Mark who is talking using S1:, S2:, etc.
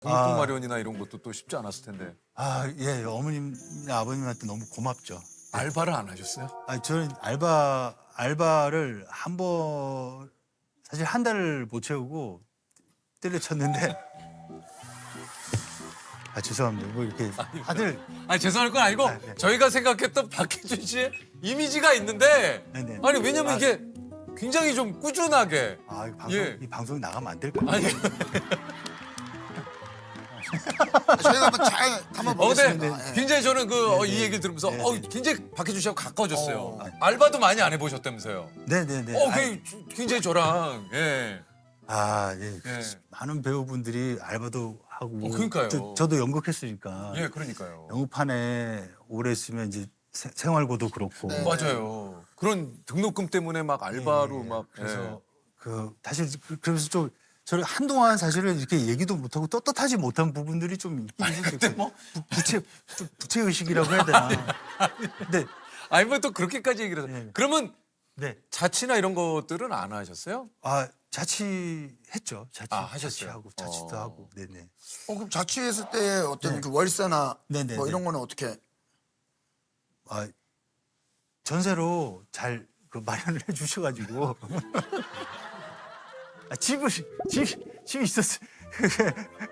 S1: 공통 마련이나 이런 것도 또 쉽지 않았을 텐데.
S2: 예, 어머님, 아버님한테 너무 고맙죠.
S1: 알바를 안 하셨어요?
S2: 저는 알바를 사실 한 달을 못 채우고 때려쳤는데, 죄송합니다. 뭐 이렇게 다들,
S1: 아니 죄송할 건 아니고
S2: 네.
S1: 저희가 생각했던 박해준 씨의 이미지가 있는데
S2: 네네.
S1: 아니 왜냐면 이게 굉장히 좀 꾸준하게
S2: 이 방송이 나가면 안 될까요?
S1: 아니
S3: 저희가 한번 잘
S1: 근데
S3: 담아보겠습니다. 예.
S1: 굉장히 저는 이 얘기를 들으면서 굉장히 박해준 씨하고 가까워졌어요. 알바도 많이 안 해보셨다면서요.
S2: 네네네.
S1: 굉장히 저랑 예.
S2: 예.
S1: 예.
S2: 많은 배우분들이 알바도 하고.
S1: 그러니까요.
S2: 저도 연극했으니까.
S1: 예, 그러니까요.
S2: 연극판에 오래 있으면 이제 생활고도 그렇고.
S3: 네.
S1: 맞아요. 그런 등록금 때문에 막 알바로 막
S2: 그래서 사실 그래서 좀 저를 한동안 사실은 이렇게 얘기도 못하고 떳떳하지 못한 부분들이 좀 있긴 있었어요.
S1: 근데 뭐
S2: 부채 의식이라고 해야 되나? 근데
S1: 아니 뭐 또 그렇게까지 얘기를 해서
S2: 네.
S1: 그러면
S2: 네.
S1: 자취나 이런 것들은 안 하셨어요?
S2: 자취했죠.
S1: 하셨어요?
S2: 자취하고 자취도 하고. 네네.
S3: 그럼 자취했을 때 어떤 그 월세나
S2: 네네네.
S3: 뭐 이런 거는 어떻게?
S2: 전세로 잘 마련을 해주셔가지고 집이 있었어요.